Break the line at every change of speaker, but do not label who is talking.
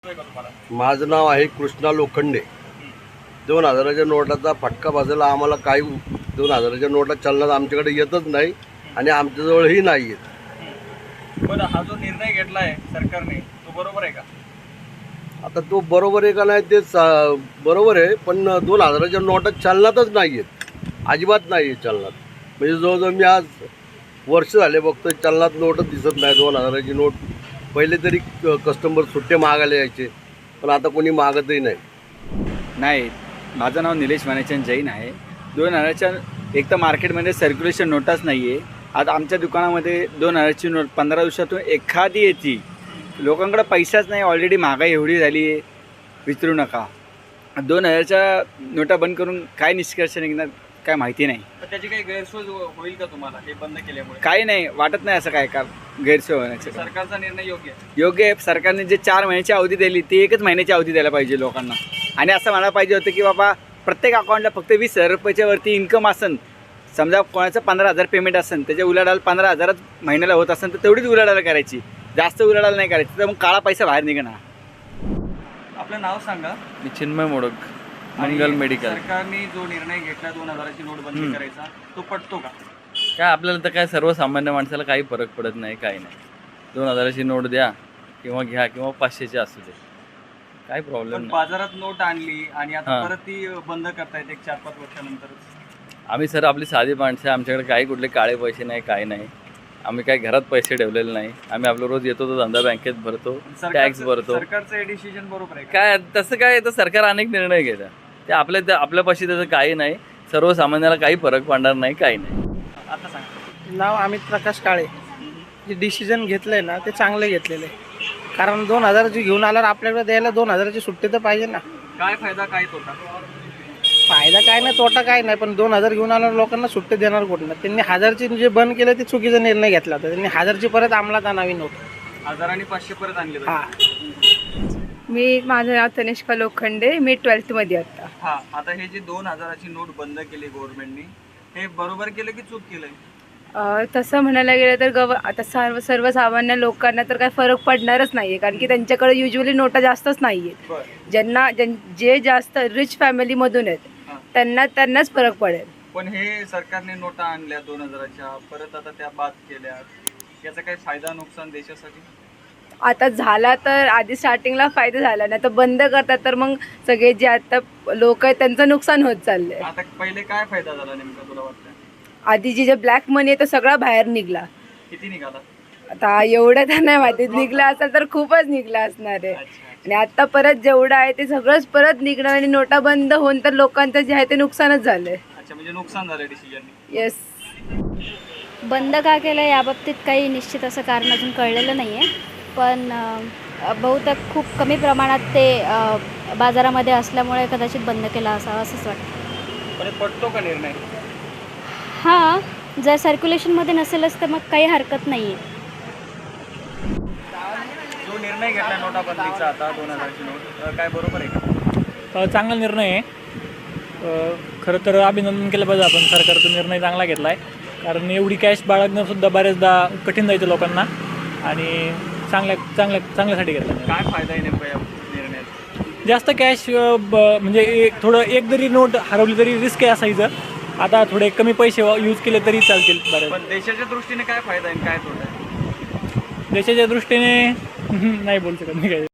माझं नाव आहे कृष्णा लोखंडे। 2000च्या नोटाचा फटका बसायला आम्हाला काही 2000च्या नोटा चलनात आमच्याकडे येतच नाही आणि आमच्याजवळही नाही येत।
पण हा जो निर्णय घेतला आहे सरकारने तो बरोबर आहे का?
आता तो बरोबर आहे का नाही ते बरोबर आहे, पण 2000च्या नोटा चलनातच नाही आहेत, अजिबात नाही आहे चलनात। म्हणजे जवळजवळ मी आज वर्ष झाले बघतोय चलनात नोटच दिसत नाही। 2000ची नोट पहिले तरी कस्टमर सुट्टे मागायला यायचे, पण आता कोणी मागतही नाही।
माझं नाव निलेश मानेचंद जैन आहे। 2000च्या एक तर मार्केटमध्ये सर्क्युलेशन नोटाच नाही आहे। आता आमच्या दुकानामध्ये 2000ची नोट 15 दिवसातून एखादी येते। लोकांकडे पैसाच नाही, ऑलरेडी महागाई एवढी झाली आहे विचारू नका। 2000च्या नोटा बंद करून काय निष्कर्ष निघणार काय माहिती नाही।
तर त्याची काही गैरसोय होईल का तुम्हाला हे बंद केल्यामुळे?
काही नाही वाटत नाही असं काय का गैरसोय होण्याचं।
सरकारचा निर्णय योग्य
आहे। सरकारने जे 4 महिन्याची अवधी दिली ती 1च महिन्याची अवधी द्यायला पाहिजे लोकांना। आणि असं म्हणायला पाहिजे होतं की बाबा प्रत्येक अकाउंटला फक्त 20,000 रुपयाच्या वरती इन्कम असेल, समजा कोणाचं 15,000 पेमेंट असेल त्याच्या उलाढाल 15,000 महिन्याला होत असेल तर तेवढीच उलाढाल करायची, जास्त उलाढाल नाही करायची, तर मग काळा पैसा बाहेर निघणार।
आपलं नाव सांगा।
मी चिन्मय मोडक, मंगल मेडिकल।
सरकारने जो निर्णय घेतला 2000ची नोट बंद करायचा तो पटतो का?
काय आपल्याला तर काय सर्वसामान्य माणसाला काही फरक पडत नाही, काही नाही। 2000ची नोट द्या किंवा घ्या किंवा 500ची असू दे, काही प्रॉब्लेम
पण
नाही।
बाजारात नोट आणली आणि आता परत ती बंद करतायत एक 4-5 वर्षानंतर।
आम्ही सर आपली साधी माणसं, आमच्याकडे काही कुठले काळे पैसे नाही, काही नाही। आम्ही काही घरात पैसे ठेवलेले नाही। आम्ही आपलं रोज येतो तो धंदा बँकेत भरतो, टॅक्स भरतो।
सरकारचं हे डिसिजन बरोबर आहे का?
काय तसं काय तर सरकार अनेक निर्णय घेतं, ते आपल्यापाशी त्याचं काही नाही। सर्वसामान्याला काही फरक पडणार नाही, काही नाही।
आता सांगा।
नाव अमित प्रकाश काळे। जे डिसिजन घेतलं आहे ना ते चांगलं घेतलेलं आहे, कारण 2000ची घेऊन आल्यावर आपल्याकडे द्यायला 2000ची सुट्टी तर पाहिजे ना।
काय फायदा काय तोटा?
फायदा काय नाही तोटा काय नाही, पण 2000 घेऊन आल्यावर लोकांना सुट्टी देणार कुठं? त्यांनी 1000ची जे बंद केलं ते चुकीचा निर्णय घेतला होता। त्यांनी 1000ची परत अंमलात आणावी नव्हती।
1000 आणि 500 परत आणले
माझं नाव तनिष्का लोखंडे, मी 12th मध्ये आता।
हा, आता हे जे 2000ची नोट बंद केली गव्हर्नमेंटने, हे बरोबर केलं की चूक केलंय?
तसं म्हणायला गेलं तर आता सर्वसामान्य लोकांना तर काय फरक पडणारच नाहीये, कारण की त्यांच्याकडे युजली नोटा जास्तच नाहीयेत। जे जास्त रिच फॅमिलीमधून आहेत त्यांनाच फरक पडेल।
पण हे सरकारने नोटा आणल्या 2000च्या, परत आता त्या बाद केल्या, याचा काही फायदा नुकसान देशासाठी?
आता झाला तर आधी स्टार्टिंगला फायदा झाला, नाही तर बंद करतात तर मग सगळे जे आता लोक आहेत त्यांचं नुकसान होत चाललंय।
आता पहिले काय फायदा झाला नेमका तुला वाटतं?
आधी जे ब्लॅक मनी आहे तो सगळा बाहेर निघला।
किती निघाला?
आता एवढं तर नाही माहिती, निघला असेल तर खूपच निघला असणार आहे। आणि आता परत जेवढं आहे ते सगळंच परत निघणार आणि नोटा बंद होऊन तर लोकांचं जे आहे ते नुकसानच झालंय।
अच्छा, म्हणजे नुकसान झालं डिसिजन।
येस।
बंद का केलं याबाबतीत काही निश्चित असं कारण अजून कळलेलं नाही आहे, पण बहुतेक खूप कमी प्रमाणात ते बाजारामध्ये असल्यामुळे कदाचित बंद केला असावा असंच वाटतं।
पण पटतो का निर्णय?
हां, जर सर्क्युलेशनमध्ये नसेलच तर मग काही हरकत नाही आहे।
जो निर्णय घेतला नोटा बंदीचा आता 2000ची नोट, काय बरोबर आहे का?
चांगला निर्णय आहे। खरं तर अभिनंदन केलं पाहिजे आपण, सरकारचा निर्णय चांगला घेतला आहे, कारण एवढी कॅश बाळगणंसुद्धा बऱ्याचदा कठीण जायचं लोकांना, आणि चांगल्यासाठी घेतला।
काय फायदा आहे नेमका या निर्णयात?
जास्त कॅश म्हणजे थोडं एक जरी नोट हरवली तरी रिस्क आहे असायचं, आता थोडे कमी पैसे यूज केले तरी चालतील बरं।
पण देशाच्या दृष्टीने काय फायदा आहे काय तोटा आहे?
देशाच्या दृष्टीने नाही बोलू शकत मी काय।